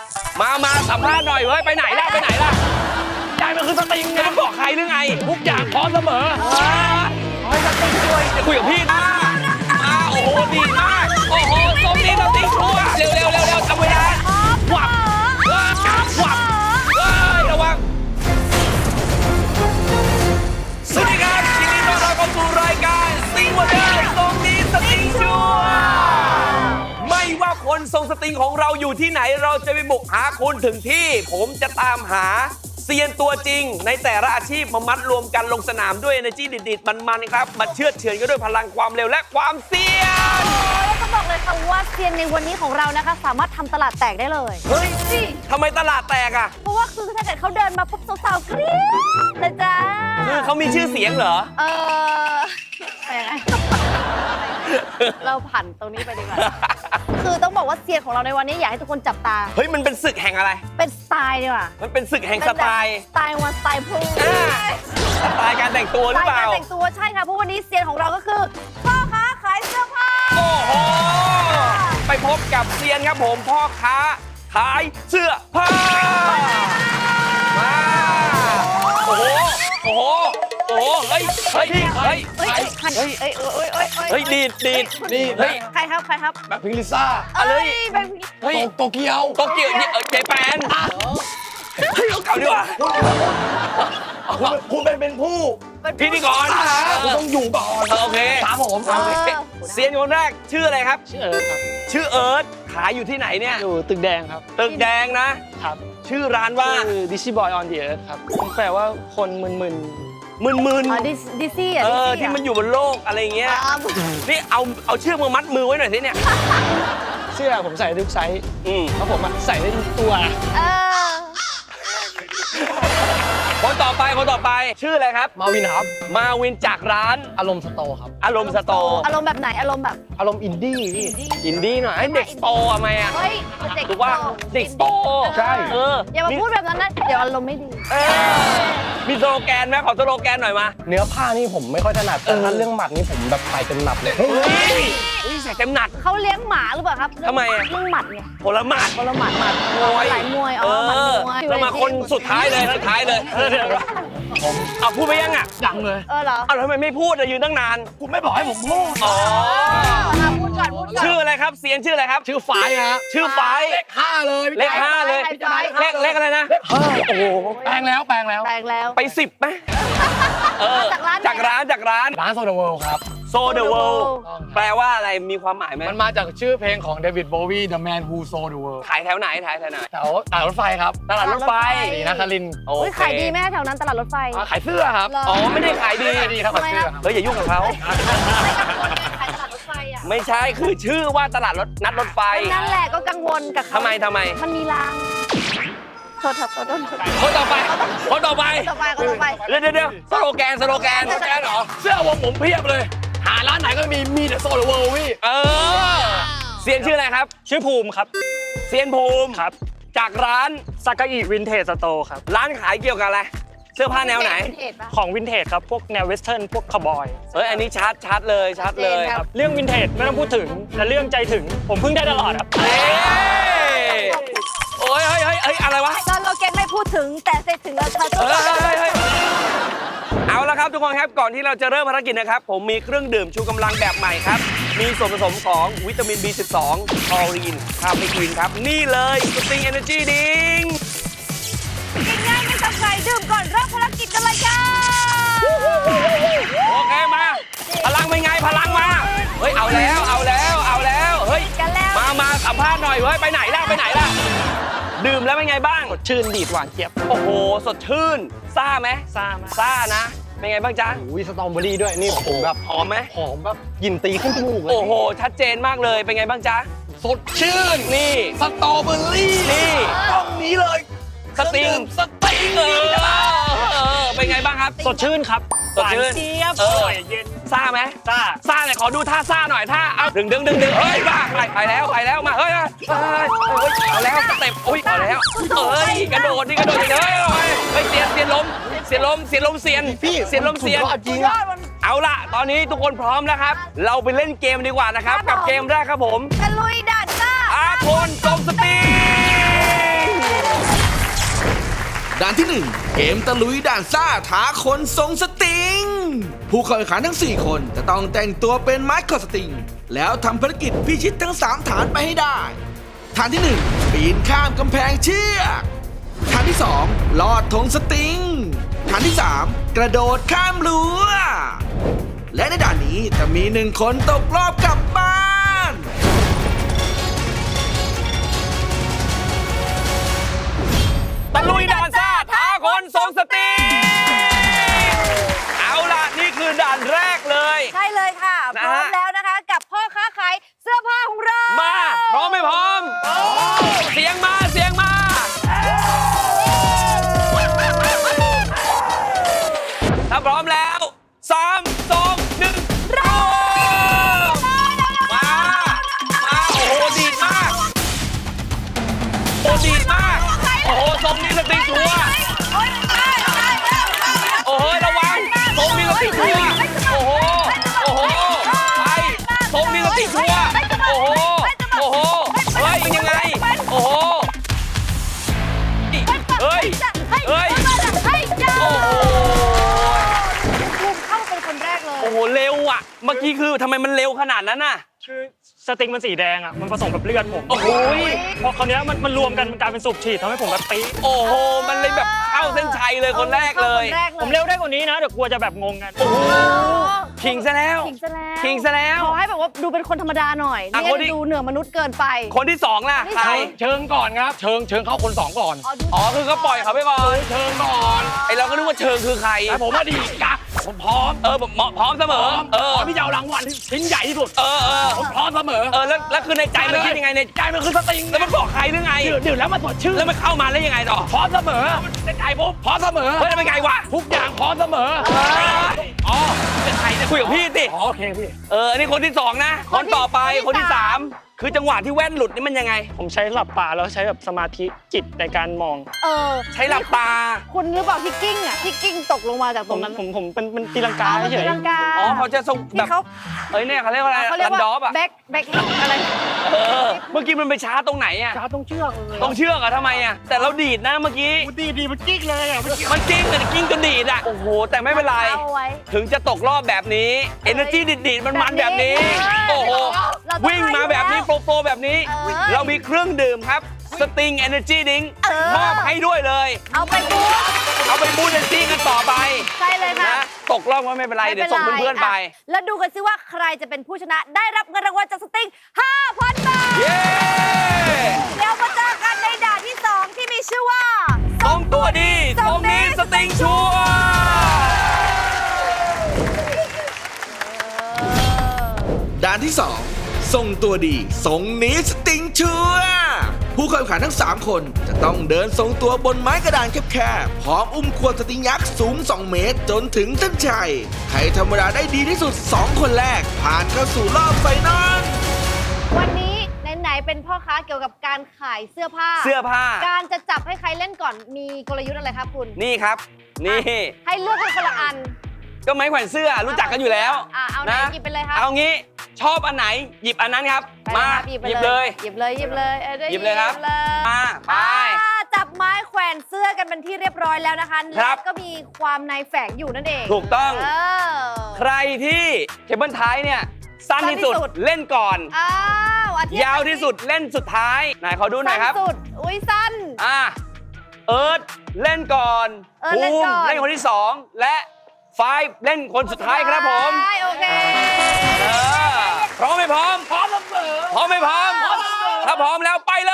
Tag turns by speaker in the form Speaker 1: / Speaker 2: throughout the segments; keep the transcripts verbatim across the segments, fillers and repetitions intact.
Speaker 1: มามาสัมภาษณ์หน่อยเว้ยไปไหนล่ะไปไหนล่ะยายมันคือสติงนะไม่บอกใครหรือไงทุกอย่างพร้อมเสมอให้สติงช่วยจะคุยกับพี่นะมาโอ้โหดีมากโอ้โหตรงนี้สติงชัวเร็วเร็วเร็วเร็วทำเวลาวับวับวับเฮ้ยระวังสวัสดีครับยินดีต้อนรับเข้าสู่รายการซิงวันเดอร์ตรงนี้สติงชัวไม่ว่าคนทรงสติงของเราอยู่ที่ไหนเราจะไปบุกหาคุณถึงที่ผมจะตามหาเซียนตัวจริงในแต่ละอาชีพมามัดรวมกันลงสนามด้วย energy ดิดๆมันๆครับมาเชือดเฉือนกันด้วยพลังความเร็วและความเซียน
Speaker 2: แล้วก็บอกเลยค่ะว่าเซียนในวันนี้ของเรานะคะสามารถทำตลาดแตกได้เลย
Speaker 1: เฮ้ยทำไมตลาดแตกอ่ะ
Speaker 2: เพราะว่าคือถ้าเกิดเขาเดินมาปุ๊บสาวๆกรี๊ดเลยจ้า
Speaker 1: คือเขามีชื่อเสียงเหรอ
Speaker 2: เออไปยังไงเราผ่านตรงนี้ไปดีกว่าคือต้องบอกว่าเซียนของเราในวันนี้อยากให้ทุกคนจับตา
Speaker 1: เฮ้ยมันเป็นศึกแห่งอะไร
Speaker 2: เป็นสไตล์ดีกว่า
Speaker 1: มันเป็นศึกแห่งสไตล์
Speaker 2: สไตล์วันสไตล์พู
Speaker 1: สไตล์การแต่งตัวหรือเปล่า
Speaker 2: สไตล์การแต่งตัวใช่ค่ะเพราะวันนี้เซียนของเราก็คือพ่อค้าขายเสื้อผ้า
Speaker 1: โอ้โหไปพบกับเซียนครับผมพ่อค้าขายเสื้อผ้ามาโอ้โหโอ้โหโอ้โหเฮ้ยเฮ้ยเฮ้ย
Speaker 2: เฮ้ยเฮ้ยเฮ้ยเฮ้ยเฮ้ย
Speaker 1: เฮ้ยดีดดีด
Speaker 3: นี่
Speaker 1: เฮ้ย
Speaker 2: ใครครับใครครับ
Speaker 3: แบบพิงลิซ่า
Speaker 1: อะไร
Speaker 2: เฮ้ย
Speaker 3: โตเกียว
Speaker 1: โตเกียวเนี่ยเจแปนเฮ้ยเอาเก่าดีกว่า
Speaker 3: คุณเป็นเป็นผู้
Speaker 1: พิธีกร
Speaker 3: คุณต้องอยู่ก่อน
Speaker 1: โอเค
Speaker 3: ครับผม
Speaker 1: เซียนคนแรกชื่ออะไรครับ
Speaker 4: ชื่อเอิร์ธครับ
Speaker 1: ชื่อเอิร์ธขายอยู่ที่ไหนเนี่ย
Speaker 4: อยู่ตึกแดงครับ
Speaker 1: ตึกแดงนะครับชื่อร้านว่า
Speaker 4: คือ Dizzy Boy on the Earth ครับแปลว่าคนมึนๆมึน
Speaker 1: มึน
Speaker 2: อ๋อดิซี่อ่ะ
Speaker 1: เออที่มันอยู่บนโลกอะไรเงี้ยนี่เอาเอาเชือกมามัดมือไว้หน่อยสิเนี่ย
Speaker 4: เสื้อผมใส่ทุกไซส์
Speaker 1: อืม
Speaker 4: เพราะผมใส่ได้ทุกตัว
Speaker 2: เออ
Speaker 1: คนต่อไปคนต่อไปชื่ออะไรครับ
Speaker 3: มาวินครับ
Speaker 1: มาวินจากร้าน
Speaker 3: อารมณ์สโตครับ
Speaker 1: อารมณ์สโต
Speaker 2: อารมณ์แบบไหนอารมณ์แบบ
Speaker 3: อารมณ์อินดี้พี่
Speaker 1: อินดี้หน่อยไอ้เด็กสโตทำไมอ่ะ
Speaker 2: เฮ้ยเด็ก
Speaker 1: ถูกว่าเด็กสโต
Speaker 3: ใช่
Speaker 1: เออ
Speaker 2: อย่ามาพูดแบบนั้นนะเดี๋ยวอารมณ์ไม่ดี
Speaker 1: มีสโลแกนไหมขอสโลแกนหน่อยมา
Speaker 3: เนื้อผ้านี่ผมไม่ค่อยถนัดแต่ถ้าเรื่องหมัดนี่ผมแบบใส่เต็มหนับเลย
Speaker 1: เฮ้ยใส่เต็มหนัด
Speaker 2: เขาเลี้ยงหมาหรือเปล่าครับ
Speaker 1: ทำไมอ่ะ
Speaker 2: เรื่องหมัดไง
Speaker 1: ผลหมัด
Speaker 2: ผลหมัดหมัด
Speaker 1: มวย
Speaker 2: หลายมวยอ๋อหมัดมวย
Speaker 1: แล้วมาคนสุดท้ายเลยสุดท้ายเลยเอาพูดไปยังอ่ะ
Speaker 3: ยังเลย
Speaker 2: เออเหรอ
Speaker 1: เอาทำไมไม่พูดยืนตั้งนาน
Speaker 3: คุณไม่บอกให้ผมพูด
Speaker 1: อ๋อ
Speaker 2: พูดก่อนพูดก่อน
Speaker 1: ชื่ออะไรครับเซียนชื่ออะไรครับ
Speaker 3: ชื่อฝายฮะ
Speaker 1: ชื่อฝาย
Speaker 3: เลขห้าเลย
Speaker 1: เลขห้าเลยเลขเลขอะไรนะโอ้โห
Speaker 3: แปลงแล้วแปลงแล้ว
Speaker 2: แปลงแล้ว
Speaker 1: ไปสิบไหมเออจากร้านจากร้าน
Speaker 3: ร้านโซเดอะเวิลด์ครับ
Speaker 1: โซเดอะเวิลด์แปลว่าอะไรมีความหมายไหม
Speaker 3: มันมาจากชื่อเพลงของเดวิดโบวี The Man Who Sold the World
Speaker 1: ขายแถวไหนขายแถวไหน
Speaker 3: แถวตลาดรถไฟครับ
Speaker 1: ตลาดรถไฟ
Speaker 3: นี่นะคาริน
Speaker 2: โอ้ยขายดีไหมแถวนั้นตลาดรถไฟ
Speaker 3: ขายเสื้อครับ
Speaker 1: อ๋อไม่ได้ขายดี
Speaker 3: ดีครับขายเสื้อ
Speaker 1: เฮ้ยอย่ายุ่งกับเขา
Speaker 2: ขายตลาดรถไฟอ่ะ
Speaker 1: ไม่ใช่คือชื่อว่าตลาดรถนัดรถไฟ
Speaker 2: นั่นแหละก็กังวลกับเขา
Speaker 1: ทำไมทำไม
Speaker 2: มันมีรางโทษครับขอโทษ
Speaker 1: คนต่อไปคนต่อไป
Speaker 2: ต่อไปคนต่อไป
Speaker 1: เดี๋ยวเดี๋ยวสโลแกนสโลแกนสโลแกนเหรอ
Speaker 3: เสื้อวงผมเพียบเลยหาร้านไหนก็มีมีแต่โซเดอะเวิลด์พี่
Speaker 1: เออเซียนชื่ออะไรครับ
Speaker 4: ชื่อภูมิครับ
Speaker 1: เซียนภูมิ
Speaker 4: ครับ
Speaker 1: จากร้าน
Speaker 4: ซากาอิวินเทจสโตร์ครับ
Speaker 1: ร้านขายเกี่ยวกับอะไรเสื้อผ้าแนวไหน
Speaker 4: ของวินเทจครับพวกแนวเวสเทิร์นพวกคาวบอย
Speaker 1: เฮ้ยอันนี้ชัดชัดเลยชัดเลย
Speaker 4: ครับเรื่องวินเทจไม่ต้องพูดถึงแต่เรื่องใจถึงผมเพิ่งได้ตลอดครับ
Speaker 1: โอ้ยเฮ้ยเฮ้ยเฮ้ยอะไรวะ
Speaker 2: ตอนเราเก่งไม่พูดถึงแต่ใจถึงเราเธอต้อง
Speaker 1: เอาละครับทุกคนครับก่อนที่เราจะเริ่มภารกิจนะครับผมมีเครื่องดื่มชูกำลังแบบใหม่ครับมีส่วนผสมของวิตามิน บี สิบสอง คอลีนคาเฟอีนครับนี่เลยสติงเอเนอร์จีดิง
Speaker 2: ง่ายๆไม่ต้องใครดื่มก่อนเริ่มภารกิจกันเลยจ้า
Speaker 1: โอเคมาพลังเป็นไงพลังมาเฮ้ยเอาแล้วเอาแล้วเอาแล้วเฮ้ยมามาสัมภาษณ์หน่อยเฮ้ยไปไหนล่ะไปไหนล่ะดื่มแล้วเป็นไงบ้าง
Speaker 4: สดชื่นดีดหวานเจี๊ยบ
Speaker 1: โอ้โหสดชื่นซ่าไหม
Speaker 4: ซ่ามาก
Speaker 1: ซ่านะเป็นไงบ้างจ๊ะ
Speaker 3: อุ้ยสตรอเบอรี่ด้วยนี่ผมแบบ
Speaker 1: หอมไหม
Speaker 3: หอมแบบกลิ่นตีขึ้นจมูกเลย
Speaker 1: โอ้โหชัดเจนมากเลยเป็นไงบ้างจ๊ะ
Speaker 3: สดชื่น
Speaker 1: นี่
Speaker 3: สตรอเบอรี่
Speaker 1: นี่
Speaker 3: ต้องนี้เลย
Speaker 1: สติง
Speaker 3: สติง
Speaker 1: เออเป็นไงบ้างครับ
Speaker 4: สดชื่นครับ
Speaker 1: สดชื่น
Speaker 4: เจี๊ยบ
Speaker 1: เออเย็นซ่าไหม
Speaker 4: ซ่า
Speaker 1: ซ่าเลยขอดูท่าซ่าหน่อยท่าเอาดึงดึงดึงดึงเฮ้ยมาไปไปแล้วไปแล้วมาเฮ้ยเฮ้ยเอาแล้วสเต็ปอุ้ยเอาแล้วเฮ้ยกระโดดนี่กระโดดเลยเฮ้ยเสียนเสียนล้มเสียนล้มเสียนล้มเสียน
Speaker 3: พี่
Speaker 1: เสียนล้มเสียน
Speaker 3: จริง
Speaker 1: เอาล่ะตอนนี้ทุกคนพร้อมแล้วครับเราไปเล่นเกมดีกว่านะครับกับเกมแรกครับผม
Speaker 2: ตะลุยด่านซ่า
Speaker 1: อาคนทรงสติง
Speaker 5: ด่านที่หนึ่งเกมตะลุยด่านซ่าท้าคนทรงสตริง ผู้เข้าแข่งขันทั้งสี่คนจะต้องแต่งตัวเป็นไม้คอสตริง แล้วทำภารกิจพิชิตทั้งสามฐานไปให้ได้ฐานที่หนึ่งปีนข้ามกำแพงเชือกฐานที่สองลอดธงสตริงฐานที่สามกระโดดข้ามรั้วและในด่านนี้จะมีหนึ่งคนตกรอบกลับบ้าน
Speaker 1: ตะลุยด่านซ่าท้าคนทรงสตรีเอาล่ะนี่คือด่านแรกเลย
Speaker 2: ใช่เลยค่ะ
Speaker 1: นะ
Speaker 2: พร้อ
Speaker 1: ฮะ
Speaker 2: มแล้วนะคะ กับพ่อค้าขายเสื้อผ้าของเรา
Speaker 1: มาพร้อมไม่พร้อม เสียงมาเสียงมา ถ้าพร้อมแล้วสามสองหนึ่งเริ่มมา มา โอ้โห ดีดมาก โอ้ดีดมาก โอ้โหทรงนี้สติงชัวร์โอ้โห ระวังทรงนี้สติงชัวร์โอ้โห โอ้โห ไปทรงนี้สติงชัวร์โอ้โห โอ้โห เฮ้ยยังไง โอ้โห เฮ้ย เฮ้ย โอ้โห
Speaker 2: ภูมิเข้าเป็นคนแรกเลย
Speaker 1: โอ้โห เร็วอ่ะ เมื่อกี้คือทำไมมันเร็วขนาดนั้นน่ะ
Speaker 4: คือสติงมันสีแดงอ่ะมันผสมกับเลือดผม
Speaker 1: โอ้โห
Speaker 4: พอคราวเนี้ยมันมันรวมกันมันกลายเป็นสูบฉีดทำให้ผมแบบปี๊ด
Speaker 1: โอ้โห มันเลยแบบเข้าเส้นชัยเลยคนแรกเลย
Speaker 2: คนแรกเลย
Speaker 4: ผมเร็วได้กว่านี้นะเดี๋ยวกลัวจะแบบงงกัน
Speaker 1: โอ้โห ขิงซะแล้ว
Speaker 2: ขิงซะแล้ว
Speaker 1: ขิงซะแล้ว
Speaker 2: ขอให้แบบว่าดูเป็นคนธรรมดาหน่อย
Speaker 1: อ่ะ
Speaker 2: นี่
Speaker 1: คนที่
Speaker 2: ดูเหนือมนุษย์เกินไป
Speaker 1: คนที่สองล่ะ
Speaker 2: คนที่
Speaker 1: ใคร
Speaker 2: สอง
Speaker 3: เชิงก่อนครับ เชิงเชิงเข้าคนสองก่อน
Speaker 2: อ๋อดู
Speaker 1: อ๋อ คือก็ปล่อยเขาไปก่อน
Speaker 3: เชิงก่อน
Speaker 1: ไอเราก็นึกว่าเชิงคือใคร
Speaker 3: แต่ผมว่าดีกักผมพร้อม
Speaker 1: เออแบบเหมาะพร้อมเสมอ เออ
Speaker 3: พร้อมที่จะเอารางวัลชิ้นใหญ่ที่สุด
Speaker 1: เออเออ
Speaker 3: ผมพร้อมเสมอ
Speaker 1: เออ แล้วแล้วคือในใจมันคิดยังไงใน
Speaker 3: ใจมันคือสติง
Speaker 1: แล้วมันบอกใครหรือไง
Speaker 3: ดื่มดื่มแล้วมันสดชื่น
Speaker 1: แล้วมันเข้ามาแล้วยังไงต่อ
Speaker 3: พร้อมเสมอในใจผมพร้อมเสมอ
Speaker 1: เฮ้ยแล้วเป็นไงวะ
Speaker 3: ทุกอย่างพร้อมเสมอ
Speaker 1: อ๋อเป็นใครเนี่ยคุยกับพี่สิ
Speaker 3: อ๋อโอเคพี่
Speaker 1: เออ นี่คนที่สองนะ คนต่อไป คนที่สามคือจังหวะที่แว่นหลุดนี่มันยังไง
Speaker 4: ผมใช้หลับตาแล้วใช้แบบสมาธิจิตในการมอง
Speaker 2: เออ
Speaker 1: ใช้หลับตา
Speaker 2: คุณหรือเปล่าที่กิ้งอ่ะที่กิ้งตกลงมาจาก
Speaker 4: ผ
Speaker 2: ตร
Speaker 4: ม
Speaker 2: งนั้น
Speaker 4: ผมผมเป็นเป็นตีลังกา
Speaker 2: อ๋อมัน
Speaker 4: เฉ
Speaker 2: ตี
Speaker 4: ย
Speaker 2: ลังกา
Speaker 1: อ๋อเขาจะทรงแบ
Speaker 2: ที่
Speaker 1: บ
Speaker 2: เขา
Speaker 1: เอ้ยเนี่ยเขาเรียกว่าอะไร
Speaker 2: เขาเรียก
Speaker 1: รัน
Speaker 2: ว่า
Speaker 1: ดอฟอ่ะ
Speaker 2: แบ็คแบ็คอะไร
Speaker 1: เออ เมื่อกี้มันไปช้าตรงไหนอ่ะ
Speaker 3: ช้าต้องเชือกเลย
Speaker 1: ต้องเชือกอะทำไมอะแต่เราดีดนะเมื่อกี้
Speaker 3: ดีดีมันกิ๊กเลยอ่ะมันกิ๊ก
Speaker 1: มันกิ้งแต่กิ้งจนดีดอะโอ้โห แต่ไม่เป็นไร
Speaker 2: เอาไว้
Speaker 1: ถึงจะตกรอบแบบนี้ Energy ดีดดีดมันมันๆแบบนี้
Speaker 2: แบบนี้
Speaker 1: โอ้โห
Speaker 2: เราต้อง
Speaker 1: วิ่งมาแบบนี้
Speaker 2: ให้
Speaker 1: โปรโปรแบบนี้
Speaker 2: เออ
Speaker 1: เรามีเครื่องดื่มครับ สติง Energy Drink
Speaker 2: เออ
Speaker 1: มอบให้ด้วยเลย
Speaker 2: เอาไปบู๊
Speaker 1: เอาไปบูน Energy กันต่อไป
Speaker 2: ใช่เลยค่ะ
Speaker 1: นะตกรอบก็ไม่เป็นไร เดี๋ยวส่งเพื่อนๆไป
Speaker 2: ะแล้วดูกันซิว่าใครจะเป็นผู้ชนะได้รับเงินรางวัลจากสติง ห้าพัน บาท
Speaker 1: เย้
Speaker 2: เดี๋ยวมาเจอกันในด่านที่สองที่มีชื่อว่า
Speaker 1: ทรงตัวดีทรงนี้สติงชัวร์
Speaker 5: ด่านที่สองทรงตัวดีทรงนี้สติงชัวร์ผู้เข้าแข่งขันทั้งสามคนจะต้องเดินทรงตัวบนไม้กระดานแคบๆพร้อมอุ้มขวดสติงยักษ์สูงสองเมตรจนถึงเส้นชัยใครธรรมดาได้ดีที่สุดสองคนแรกผ่านเข้าสู่รอบไฟนอล
Speaker 2: วันนี้ไหนๆเป็นพ่อค้าเกี่ยวกับการขายเสื้อผ้า
Speaker 1: เสื้อผ้า
Speaker 2: การจะจับให้ใครเล่นก่อนมีกลยุทธ์อะไรครับคุณ
Speaker 1: นี่ครับ นี่
Speaker 2: ให้เลือกกันคนละอัน
Speaker 1: ก็ไม้แขวนเสื้อรู้จักกันอยู่แล้ว
Speaker 2: อ่ะเอาไหนหยิบไปเลยครับ
Speaker 1: เอางี้ชอบอันไหนหยิบอันนั้นครับ
Speaker 2: ไป
Speaker 1: มา
Speaker 2: ครับหยิบไป
Speaker 1: หยิบเลย
Speaker 2: หยิบเลยหยิบเลยออได้
Speaker 1: หยิบเลยครับ
Speaker 2: เลย
Speaker 1: มาไป
Speaker 2: อ่าจับไม้แขวนเสื้อกันเป็นที่เรียบร้อยแล้วนะคะ
Speaker 1: ครั
Speaker 2: และ
Speaker 1: บ
Speaker 2: ก็มีความในแฝงอยู่นั่นเอง
Speaker 1: ถูกต้อง
Speaker 2: เออ
Speaker 1: ใครที่เคเบิลท้ายเนี่ยสั้นที่สุด
Speaker 2: สั้นที่สุด
Speaker 1: เล่นก่อน
Speaker 2: อ้าวอาทิตย์
Speaker 1: ยาวที่สุดเล่นสุดท้ายไหนขอดูหน่อยครับ
Speaker 2: สั้นสุดอุ้ยสั้น
Speaker 1: อ่าเอิร์ธเล่นก่อน
Speaker 2: เอิร์ธเล่นก่อน
Speaker 1: ภูมิเล่นคนที่สองและไฟว์เล่นคนสุดท้ายครับผม
Speaker 2: ใช่โอเค
Speaker 1: เออพร้อมไหมพร้อม
Speaker 3: พร้อมเสมอ
Speaker 1: พร้อมไหมพร้อม ถ้าพร้อมแล้วไปเลย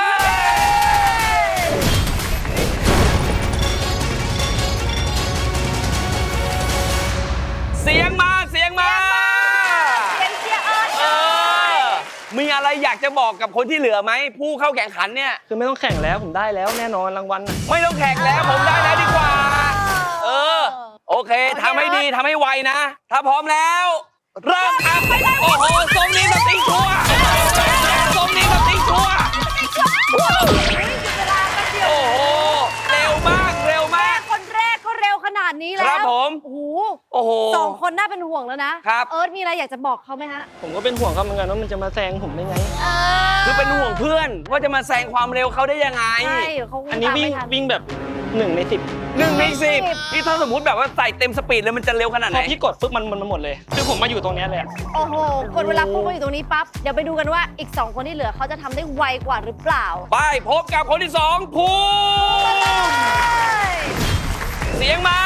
Speaker 1: เสียงมาเสียงมา
Speaker 2: เสียงเชียร์เอิร์ธ
Speaker 1: เออ มีอะไรอยากจะบอกกับคนที่เหลือไหม ผู้เข้าแข่งขันเนี่ย
Speaker 4: คือไม่ต้องแข่งแล้วผมได้แล้วแน่นอนรางวัลน่ะ
Speaker 1: ไม่ต้องแข่งแล้วผมได้แล้วดีกว่า เออ โอเคทำให้ดีทำให้ไวนะ ถ้าพร้อมแล้ว เริ่มครับ โอ้โหทรงนี้สติงชัวร์ทรงนี้สติงชัวร์
Speaker 2: เวลาแป๊บเดียว
Speaker 1: โอ้โห เร็วมาก เร็วมาก
Speaker 2: คนแรกก็เร็วขนาดนี้แล้ว
Speaker 1: ครับผม
Speaker 2: โอ้โห
Speaker 1: โอ้โห
Speaker 2: สองคนน่าเป็นห่วงแล้วนะครับ เอิร์ธมีอะไรอยากจะบอกเขาไหมฮะ
Speaker 4: ผมก็เป็นห่วงเขาเหมือนกันว่ามันจะมาแซงผมได้ไง
Speaker 2: เอ
Speaker 1: คือเป็นห่วงเพื่อนว่าจะมาแซงความเร็วเขาได้ยังไง
Speaker 2: ใช่เขา
Speaker 4: อันนี้วิ่ง
Speaker 2: ตามไม่ทั
Speaker 4: วิ่งแบบหนึ่งในสิบ
Speaker 1: หนึ่งในสิบนี่ถ้าสมมติแบบว่าใส่เต็มสปีดเลยมันจะเร็วขนาด
Speaker 4: พ
Speaker 1: ไหน
Speaker 4: อพี่กดปุ๊บมันมันมันหมดเลย คือผมมาอยู่ตรงเนี้ยเลยอะ
Speaker 2: โอ้โหกดเวลาพุ่งมาอยู่ตรงนี้ปั๊บ เดี๋ยวไปดูกันว่าอีก สอง คนที่เหลือเขาจะทำได้ไวกว่าหรือเปล่า
Speaker 1: ไปพบกับคนที่สองภูมิเสียงมา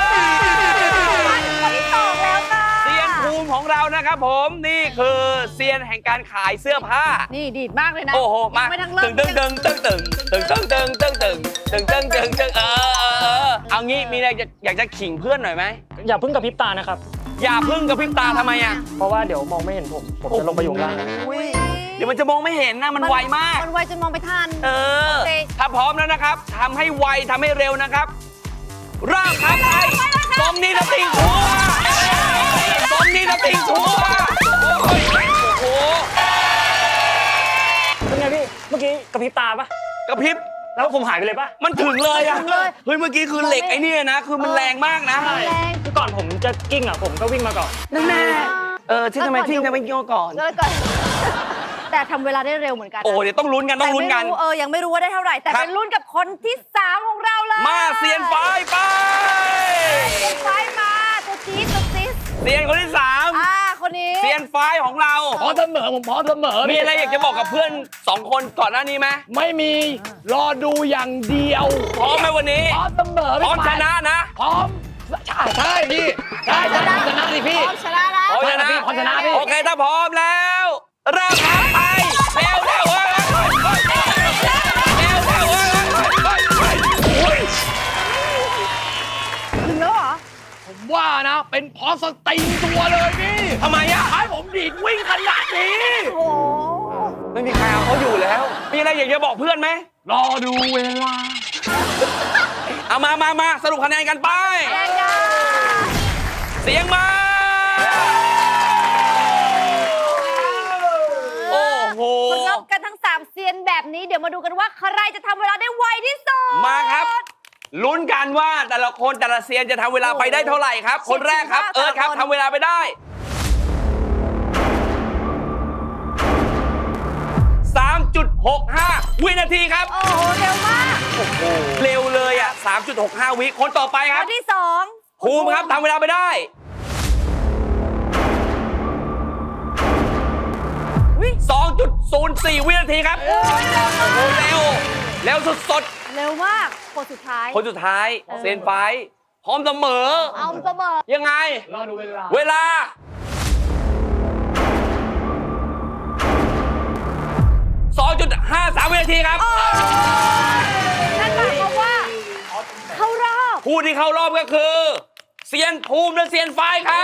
Speaker 2: คนที่สองแล้วค่ะ
Speaker 1: เซียนภูมิของเรานะครับผมนี่คือเซียนแห่งการขายเสื้อผ้า
Speaker 2: นี่ดีดมากเลยนะ
Speaker 1: โอ้โหมา
Speaker 2: ยังไม่ทั้งเริ่
Speaker 1: ตึ
Speaker 2: ม
Speaker 1: งตึงตึงตึงตึงตึงตึงตึงตึงตึงตึงตึงตึงตึงเออเออเออเอางี้มีอะไรอยากจะขิงเพื่อนหน่อยไหม
Speaker 4: อย่าเพิ่งกระพริบตานะครับ
Speaker 1: อย่าพึ่งกับพริบตาทำไมอ่ะ
Speaker 4: เพราะว่าเดี๋ยวมองไม่เห็นผม ผมจะลงไปอยู่ข้างล่าง
Speaker 2: อุ๊ย
Speaker 1: เดี๋ยวมันจะมองไม่เห็นนะมันไวมาก
Speaker 2: มันไวจนมองไปทัน
Speaker 1: เออ
Speaker 2: โอเค
Speaker 1: ถ้าพร้อมแล้วนะครับทำให้ไวทำให้เร็วนะครับเริ่มครับไปตรงนี้นะติงชัวตรงนี้นะติงชัวโอ้ยโอ้โห
Speaker 4: เป็นไงพี่ เมื่อกี้กระพริบตาปะ
Speaker 1: กระพริบ
Speaker 4: แล้วผมหายไปเลยปะ
Speaker 1: มันถึงเลยอะ
Speaker 2: ถึงเลย
Speaker 1: เฮ้ยเมื่อกี้คือเหล็กไอ้นี่นะ คือมันแรงมากนะ
Speaker 2: แรง
Speaker 4: คือก่อนผมจะกิ้งอ่ะผมก็วิ่งมาก่อน
Speaker 1: นั่นแน่เออที่ทำไมที่ทำไมกิ้งก่อน
Speaker 2: แล้วก่อน แต่ทำเวลาได้เร็วเหมือนกันนะ
Speaker 1: โอ้เดี๋ยวต้องลุ้นกันต้องลุ้นกัน
Speaker 2: แต่ไม่รู้เออยังไม่รู้ว่าได้เท่าไหร่ แต่
Speaker 1: ครับ
Speaker 2: เป็นลุ้นกับคนที่สามของเราเลย
Speaker 1: มาเซียนไฟไป
Speaker 2: เซียนไฟมาตัวจี๊ดตัวจี๊ด
Speaker 1: เซียนคนที่สาม
Speaker 2: อ่าคนนี้
Speaker 1: เซียนไฟของเรา
Speaker 3: พร้อมเสมอผมพร้อมเสมอ
Speaker 1: มีอะไรอยากจะบอกกับเพื่อนสองคนก่อนหน้านี้ไหม
Speaker 3: ไม่มีรอดูอย่างเดียว
Speaker 1: พร้อมไหมวันนี้
Speaker 3: พร้อมเสมอ
Speaker 1: พร้อมชนะนะ
Speaker 3: พร้อมใช่ใช่พี่ใช่ใช่พร้อมชนะสิพี่
Speaker 2: พร้อมชนะนะ
Speaker 1: พร้อมชนะ
Speaker 3: พร้อมชนะพี่
Speaker 1: โอเคถ้าพร้อมแล้วเริ่มครับไปเร็วเร็วเร็วเร็วเร็วเร็วเร็วเร็ว
Speaker 2: ถึงแล้วเหรอ
Speaker 3: ผมว่านะ เป็นพอสติงตัวเลยพี่
Speaker 1: ทำไมอะ
Speaker 3: ให้ผมดีดวิ่งขนาดนี้
Speaker 2: โอ้โห
Speaker 1: ไม่มีใครเอาเขาอยู่แล้ว มีอะไรอยากจะบอกเพื่อนไหม
Speaker 3: รอดูเวลา
Speaker 1: เอามามามาสรุปคะแนนกันไป
Speaker 2: แรงจ้า
Speaker 1: เสียงมา โอ้โห
Speaker 2: คนรบกันทั้งสามเซียนแบบนี้เดี๋ยวมาดูกันว่าใครจะทำเวลาได้ไวที่สุด
Speaker 1: มาครับ ลุ้นกันว่าแต่ละคนแต่ละเซียนจะทำเวลาไปได้เท่าไหร่ครับ คนแรกครับ เอิร์ธครับทำเวลาไปได้ สามจุดหกห้า วินาทีครับ
Speaker 2: โอ้โหเร็วมาก
Speaker 1: เร็วเลยอ่ะ สามจุดหกห้า วิ คนต่อไปค
Speaker 2: ครับ นที่สอง
Speaker 1: ภูมิครับทำเวลาไปได้ สองจุดศูนย์สี่ วินาทีครับ โอ้โหเร็ว เร็วสุด
Speaker 2: เร็วมากคนสุดท้าย
Speaker 1: ๆ คนสุดท้าย เซนไฟท์พร้อมเสมอ
Speaker 2: เอาเสมอ
Speaker 1: ยังไง
Speaker 3: รอดูเวลา
Speaker 1: เวลา สองจุดห้าสาม วินาทีครับ
Speaker 2: นั่นหมายความว่า เข้ารอบ
Speaker 1: ผู้ที่เข้ารอบก็คือเซียนภูมิและเซียนไฟท์ครับ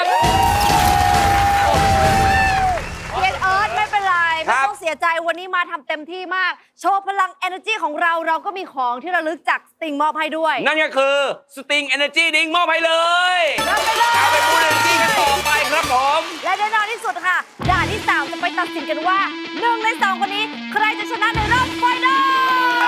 Speaker 2: เซียนเอิร์ธไม่เป็นไร
Speaker 1: ครั
Speaker 2: ไม่
Speaker 1: บ
Speaker 2: ต้องเสียใจวันนี้มาทำเต็มที่มาก โชว์พลัง energy ของเราเราก็มีของที่ระลึกจากสติงมอบให้ด้วย
Speaker 1: นั่นก็คือ Sting Energy Drink มอบให้เลย
Speaker 2: รับไปเลย
Speaker 1: เอาไปพูดเรื่องจริงกันต่อไปครับผม
Speaker 2: และแน่นอนที่สุดค่ะ ด่านที่สามจะไปตัดสินกันว่าหนึ่งในสองคนนี้ ใครจะชนะในรอบไฟนอล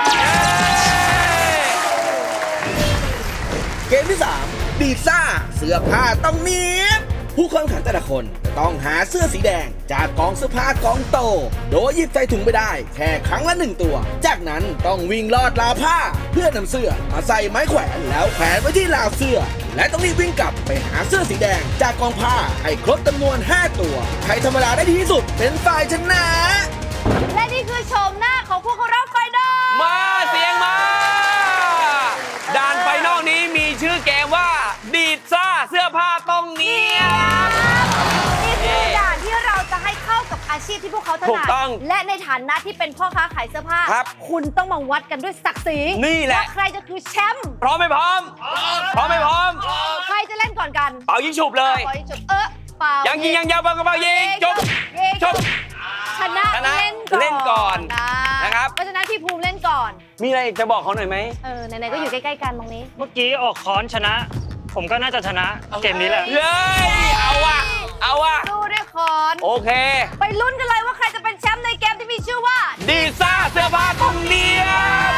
Speaker 5: เกมที่ สาม ดีดซ่า เสื้อผ้าต้องเนี้ยบผู้เข้าแข่งขันแต่ละคนจะต้องหาเสื้อสีแดง จากกองเสื้อผ้ากองโต โดยหยิบใส่ถุงไปได้ แค่ครั้งละหนึ่งตัว จากนั้นต้องวิ่งลอดราวผ้า เพื่อนำเสื้อมาใส่ไม้แขวนแล้วแขวนไว้ที่ราวเสื้อ และต้องรีบวิ่งกลับไปหาเสื้อสีแดง จากกองผ้าให้ครบจำนวน ห้า ตัว ใครทำเวลาได้ดีที่สุดเป็นฝ่ายชนะ
Speaker 2: และนี่คือโฉมหน้าของผู้เข้ารอบไฟนอล
Speaker 1: มาเสียงมา ด่านไฟนอลนี้มีชื่อเกมว่า ดีดซ่าเสื้อผ้าต้องเนียบ
Speaker 2: นี่คือด่านที่เราจะให้เข้ากับอาชีพที่พวกเขาถ
Speaker 1: ถู
Speaker 2: นั
Speaker 1: ก
Speaker 2: ด
Speaker 1: ต้อง
Speaker 2: และในฐานะที่เป็นพ่อค้าขายเสื้อผ้า
Speaker 1: ครับ
Speaker 2: คุณต้องมาวัดกันด้วยศักดิ์ศรี
Speaker 1: นี่แหละ
Speaker 2: ว่าใครจะคือแชมป์
Speaker 1: พร้อมไม่พร้อม พร้อมไม่พร้อม
Speaker 2: ใครจะเล่นก่อนกัน
Speaker 1: เป่ายิงฉุบเลย
Speaker 2: ปล่อยจบเออเปล่า
Speaker 1: ยังยิงยังยาวเป่ากระเป๋ายิงจบ
Speaker 2: ยิง
Speaker 1: จบ
Speaker 2: ชนะ
Speaker 1: ชนะ
Speaker 2: เล่นก่อน
Speaker 1: เล่นก่อน
Speaker 2: อ่า
Speaker 1: นะครับ
Speaker 2: เพราะฉะนั้นพี่ภูมิเล่นก่อน
Speaker 1: มีอะไรจะบอกเขาหน่อยไหม
Speaker 2: เออไหนๆก็อยู่ใกล้ๆกันตรงนี้
Speaker 4: เมื่อกี้ออกค้อนชนะ ผมก็น่าจะชนะเกมนี้แหละ
Speaker 1: เย้ยเอาว่ะ เอาว่ะ
Speaker 2: สู้ด้วยคอน
Speaker 1: โอเค
Speaker 2: ไปลุ้นกันเลยว่าใครจะเป็นแชมป์ในเกมที่มีชื่อว่า
Speaker 1: ดีซ่าเสื้อผ้าต้องเนียบ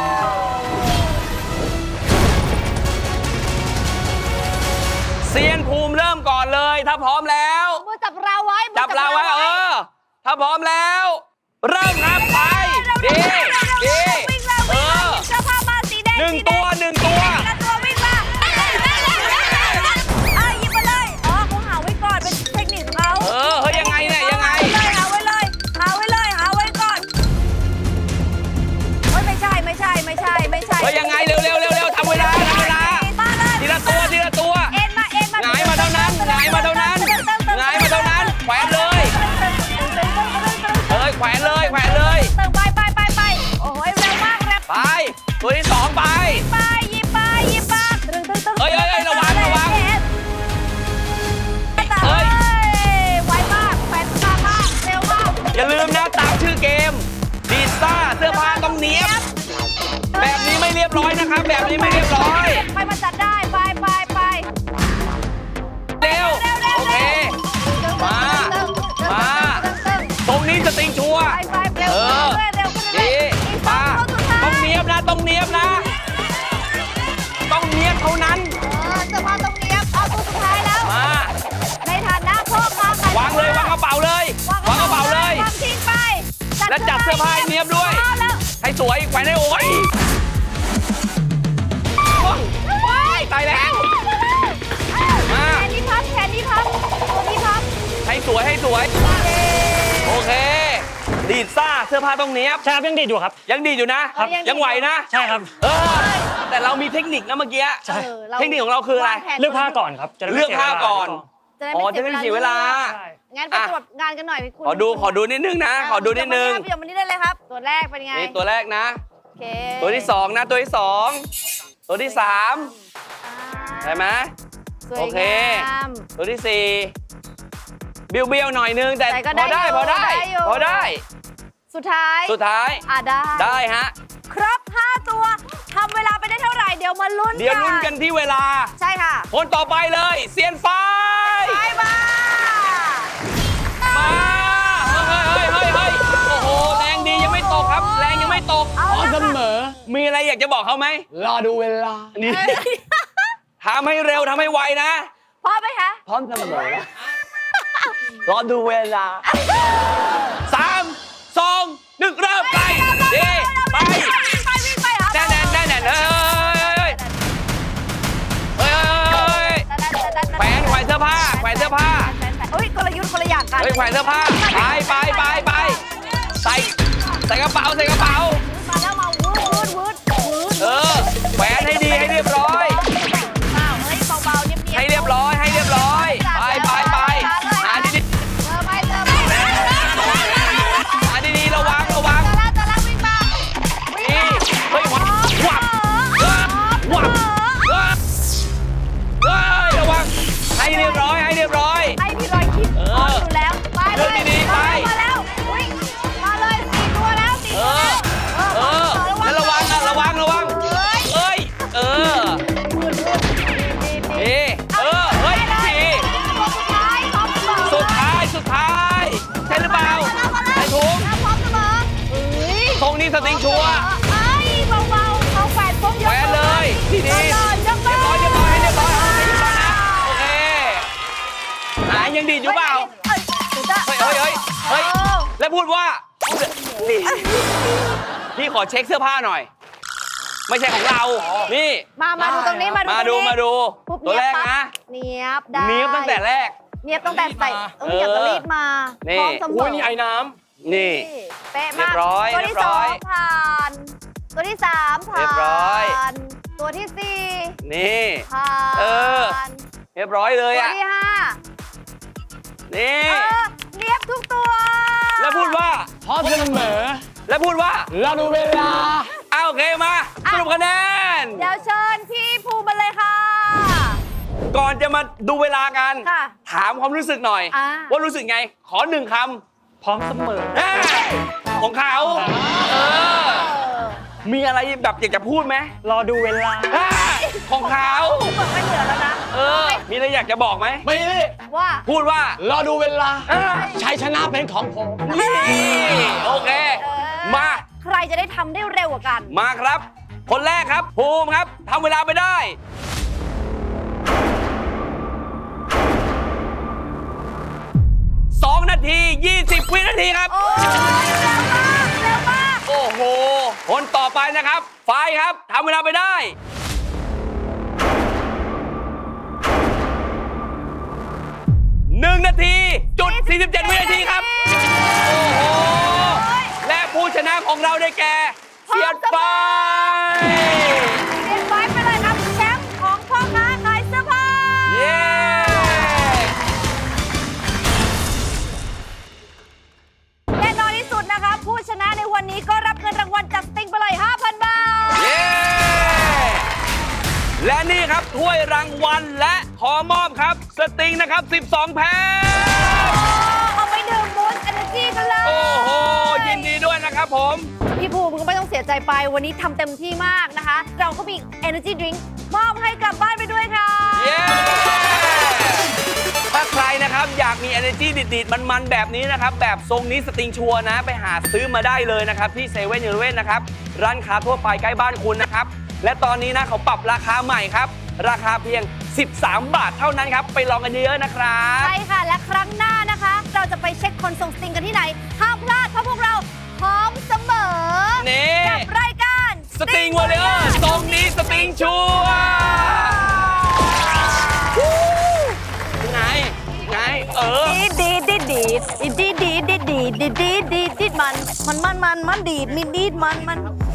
Speaker 1: เซียนภูมิเริ่มก่อนเลย ถ้าพร้อมแล้ว
Speaker 2: มือจับเราไว้มือ
Speaker 1: จับเราไว้เออ ถ้าพร้อมแล้ว เริ่มครับไป ดี ดี
Speaker 2: วิ่งแล้ว
Speaker 1: เอ
Speaker 2: วิ่งแล้ว
Speaker 1: อ
Speaker 2: หยิบเสื้อผ้ามาสีแดง
Speaker 1: หนึ่ง
Speaker 2: สีแด
Speaker 1: ตัวหนึ่งตัวเฮ้ยยังไงเร็วเร็วเร็วเร็วทำเวลาทำเวลา
Speaker 2: มาเลย
Speaker 1: ทีละตัวทีละตัว
Speaker 2: เอ็นมาเอ็นมา
Speaker 1: หงายมาเท่านั้นหงายมาเท่านั้นหงายมาเท่านั้นแขวนเลยเฮ้ยแขวนเลยแขวนเลย
Speaker 2: เติมไปไปไปไปโอ้ยเร็วมากเร็ว
Speaker 1: ไปตัวที่สองไป
Speaker 2: ไปยิบไปยิบมาตึงตึงตึง
Speaker 1: เฮ้ยเฮ้ยเฮ้ยระวังระวัง
Speaker 2: เฮ้ยไวมากแฟนมากมากเร็วมาก
Speaker 1: อย่าลืมนะตามชื่อเกมดีซ่าเสื้อผ้าต้องเนี้ยบแบบนี้ไม่เรียบร้อยนะครับแบบนี้ไม่เรียบร้อย
Speaker 2: ไปมาจัดได้ไปไปไป
Speaker 1: เร็วโอเคมามาตรงนี้สติงชัวร์
Speaker 2: ไปไปเร็ว
Speaker 1: เออ
Speaker 2: เร็วขึ้นเรื่
Speaker 1: ดี
Speaker 2: อย
Speaker 1: มาต้องเนี้ยบนะต้องเนี้ยบนะ ต้องเนี้ยบเท่านั้น
Speaker 2: เออจะมาตรงนี้เอาตัวสุดท้ายแล้ว
Speaker 1: มา
Speaker 2: ในฐานะพ่อค้าขายว
Speaker 1: างเลยวางกระเป๋าเลยวางกระเป๋าเลย
Speaker 2: วางทิ้งไป
Speaker 1: และจัดเสื้อผ้าให้เนียบด้วย
Speaker 2: เอาแล้ว
Speaker 1: ให้สวยแขวนให้โอ้ยว้ายตายแล้ว มา
Speaker 2: แขนนี้พับแขนนี้พับตัวนี้พับ
Speaker 1: ให้สวยให้สวย โอเค ดีดซ่าเสื้อผ้าต้องเนี้ยบ
Speaker 4: ใช่ครับยังดีดอยู่ครับ
Speaker 1: ยังดีอยู่นะ ยังไหวนะ
Speaker 4: ใช่ครับ
Speaker 1: เออ แต่เรามีเทคนิคนะเมื่อกี้
Speaker 4: ใช่
Speaker 2: ออรา
Speaker 1: เทคนิคของเราคืออะไร
Speaker 2: วงแผน
Speaker 4: เลือกผ้าก่อนครับจะได้ไม่
Speaker 1: เลือกผ้าก่อน
Speaker 2: จะได้
Speaker 1: อ๋อ
Speaker 2: ไม่
Speaker 1: จะไม่เสียเวลา
Speaker 4: ใช่
Speaker 2: งั้นไปตรวจงานกันหน่อยคุณ
Speaker 1: ขอดูขอดูนิดนึงนะ ขอดูนิดนึง
Speaker 2: เดี๋ยววันนี้ได้เลยครับ ตัวแรกเป็นไง
Speaker 1: นี่ตัวแรกนะ
Speaker 2: โอเค
Speaker 1: ตัวที่สองนะ ตัวที่สอง ตัวที่สามใช่ไหม
Speaker 2: สวย
Speaker 1: โอเค
Speaker 2: งาม
Speaker 1: ตัวที่สี่เบี้ยวเบี้ยวๆหน่อยนึง แต่
Speaker 2: แต่ก็
Speaker 1: พอได้
Speaker 2: ได้อยู่
Speaker 1: พอได้
Speaker 2: ได้อยู่
Speaker 1: พอได้
Speaker 2: สุดท้าย
Speaker 1: สุดท้าย
Speaker 2: อ่ะได้
Speaker 1: ได้ฮะ
Speaker 2: ครบห้าตัวทำเวลาไปได้เท่าไหร่เดี๋ยวมาลุ้น
Speaker 1: เดี๋ยวลุ้นกันที่เวลา
Speaker 2: ใช่ค่ะ
Speaker 1: คนต่อไปเลยเซียนไฟ
Speaker 2: ไปมา
Speaker 1: มาเฮ้ยเฮ้ยเฮ้ยเฮ้ยโอ้โห แรงดียังไม่ตกครับ แรงยังไม่ตก
Speaker 2: เอา
Speaker 3: พร้อม
Speaker 2: ละ
Speaker 3: เส
Speaker 2: ค่ะ
Speaker 3: มอ
Speaker 1: มีอะไรอยากจะบอกเขาไหม
Speaker 3: รอดูเวลา
Speaker 1: นี่ทำให้เร็วทำให้ไวนะ
Speaker 2: พร้อมไหมคะ
Speaker 1: พร้อมเสมอรอดูเวลาสามสองหนึ่งเริ่มไปดีไป
Speaker 2: ไปวิ่งไปเหรอ
Speaker 1: แน่นแน่นแน่นแน่นเฮ้ยเฮ้ยเฮ้ยแขวนแขวนเสื้อผ้าแขวนเสื้อผ้า
Speaker 2: เฮ้ยกลยุทธ์คนละอย่างกัน
Speaker 1: เฮ้ยแขวนเสื้อผ้าไปไปไปไปใส่ใส่กระเป๋าใส่กระเป๋า
Speaker 2: มาแล้วมาวูดวูดวูดวูด
Speaker 1: เออแขวนให้ดีให้เรียบร้อย
Speaker 2: เบาเฮ้ยเบาๆเนียบๆ
Speaker 1: ให้เรียบร้อยให้เรียบร้อยไปไปไปหาดี
Speaker 2: เจอไปเจอไป
Speaker 1: ๆหาดีๆระวังระวัง
Speaker 2: จะละจะละวิ่งมาวิ่ง
Speaker 1: นี่
Speaker 2: มา
Speaker 1: เฮ้ยวับวับวับวับวับเฮ้ยระวังให้เรียบร้อยให้เรียบร้อย
Speaker 2: ให้พี่รอยคิด
Speaker 1: เออ
Speaker 2: พร้อมอยู่แล้วไปเล
Speaker 1: เดิ
Speaker 2: ย
Speaker 1: นดีๆไป
Speaker 2: มาแล้วอุ๊ยมาเลยสี่ตัวแล้วสี่
Speaker 1: เอ
Speaker 2: ตัว
Speaker 1: อ
Speaker 2: แล้ว
Speaker 1: เออแล้วระวังนะระวังระวัง
Speaker 2: เฮ้ย
Speaker 1: เอ้ยเออ
Speaker 2: วูดวูดดีดี
Speaker 1: เอเออเฮ้ย
Speaker 2: ได้
Speaker 1: สี่
Speaker 2: ตัวสุดท้ายพร้อมเสมอ
Speaker 1: สุดท้ายสุดท้ายใช่หรือเปล่าใส่ถุง
Speaker 2: พร้อมเสมอเฮ้ย
Speaker 1: ทรงนี้สติงชัวร์
Speaker 2: เอ้ยเบาๆเขาแขวนปุ๊บยก
Speaker 1: แขวนเลยดีๆ
Speaker 2: เรียบร้อยยก
Speaker 1: เรียบร้อยเรียบร้อยให้เรียบร้อยเอาให้เรียบร้อยนะโอเคหายังดีดอยู่เปล่า
Speaker 2: เฮ้ยเฮ้ย
Speaker 1: เฮ้ยเฮ้ยเฮ้ยเฮ้ยแล้วพูดว่านี่พี่ขอเช็คเสื้อผ้าหน่อย ไม่ใช่ของเรา นี่
Speaker 2: มามาดูตรงนี้มาดู
Speaker 1: มาดู
Speaker 2: ตรงนี้
Speaker 1: มาดู
Speaker 2: ปุ๊บ
Speaker 1: ตัวแรก
Speaker 2: เนียบ
Speaker 1: นะ
Speaker 2: ปั๊บเนียบได้
Speaker 1: เนี้ยบตั้งแต่แรก
Speaker 2: เนียบตั้งแต่ใส่ต้องเหยียบตะลีดมา
Speaker 1: นี่
Speaker 2: พร้อมเสม
Speaker 3: อุ้
Speaker 2: อย
Speaker 3: นี่ไอ้น้
Speaker 1: นี่
Speaker 2: เป๊ะ
Speaker 1: เรี
Speaker 2: มาย ก
Speaker 1: บร้อย
Speaker 2: ตัว
Speaker 1: เรี
Speaker 2: ที่
Speaker 1: ยบ
Speaker 2: ส
Speaker 1: ร้
Speaker 2: อ
Speaker 1: อง ย
Speaker 2: ผ่าน ตัวที่สามผ่าน
Speaker 1: เรียบร้อย
Speaker 2: ตัวที่สี่
Speaker 1: นี่
Speaker 2: ผ่าน
Speaker 1: เออ เรียบร้อยเลย
Speaker 2: ตัว
Speaker 1: อ่ะ
Speaker 2: ที่ห้า
Speaker 1: นี่
Speaker 2: เออเนียบทุกตัว
Speaker 1: แล้วพูดว่า
Speaker 3: ำพร้อมเสมอ
Speaker 1: แล้วพูดว่า
Speaker 3: รอดูเวลา
Speaker 1: เอาโอเคมาสรุปคะแนน
Speaker 2: เดี๋ยวเชิญพี่ภูมิมาเลยค่ะ
Speaker 1: ก่อนจะมาดูเวลากัน
Speaker 2: ค่ะ
Speaker 1: ถามความรู้สึกหน่อย
Speaker 2: อ่า
Speaker 1: ว่ารู้สึกไง ขอหนึ่งค
Speaker 4: พร้อมเสมอ
Speaker 1: ำแน่ของเขาเออ มีอะไรแบบอยากจะพูดไหม
Speaker 4: รอดูเวลา
Speaker 1: อ่าของเขา
Speaker 2: เปิดไม่เหลือแล้วนะ
Speaker 1: เออ มีอะไรอยากจะบอกไหม
Speaker 3: ไม่ได้
Speaker 2: ว่า
Speaker 1: พูดว่า
Speaker 3: รอดูเวลา
Speaker 1: อ่า
Speaker 3: ชัยชนะเป็นของผม
Speaker 1: นี่โอเค
Speaker 2: เออ
Speaker 1: มา
Speaker 2: ใครจะได้ทำได้เร็วกว่ากัน
Speaker 1: มาครับ คนแรกครับ ภูมิครับทำเวลาไปได้ สองนาที ยี่สิบ วินาทีครับ
Speaker 2: โอ้ยเร็วมากเร็วมาก
Speaker 1: โอ้โห คนต่อไปนะครับไฟครับทำเวลาไปได้ หนึ่งนาทีจุดสี่สิบเจ็ดวินาทีครับ โอ้โห และผู้ชนะของเราได้แก่เสียดไฟและนี่ครับถ้วยรางวัลและขอมอบครับสติงนะครับสิบสองแพ็ค
Speaker 2: เอาไปดื่มบูสต์เอเนอร์จีกันเลย
Speaker 1: โอ้โหยินดีด้วยนะครับผม
Speaker 2: พี่ภูมิก็ไม่ต้องเสียใจไปวันนี้ทำเต็มที่มากนะคะ เราก็มี Energy Drink มอบให้กลับบ้านไปด้วยค่ะ
Speaker 1: เย้ถ้าใครนะครับอยากมี energy ดิดๆมันๆแบบนี้นะครับแบบทรงนี้สติงชัวร์นะไปหาซื้อมาได้เลยนะครับที่เซเว่นอีเลฟเว่นนะครับร้านค้าทั่วไปใกล้บ้านคุณนะครับและตอนนี้นะเขาปรับราคาใหม่ครับราคาเพียงสิบสามบาทเท่านั้นครับไปลองกันเยอะๆนะครับ
Speaker 2: ใช่ค่ะ และครั้งหน้านะคะ เราจะไปเช็คคนส่งสติงกันที่ไหน ห้ามพลาดเพราะพวกเราพร้อมเสมอ
Speaker 1: นี่
Speaker 2: กับรายการ
Speaker 1: สติงวอลเลอร์ทรงนี้สติงชัวร์ไงไงเออ
Speaker 2: ดีดีดีดีดีดีดีดีดีดีดีดีมันมันมันมันมันดีดมีดีดมันมัน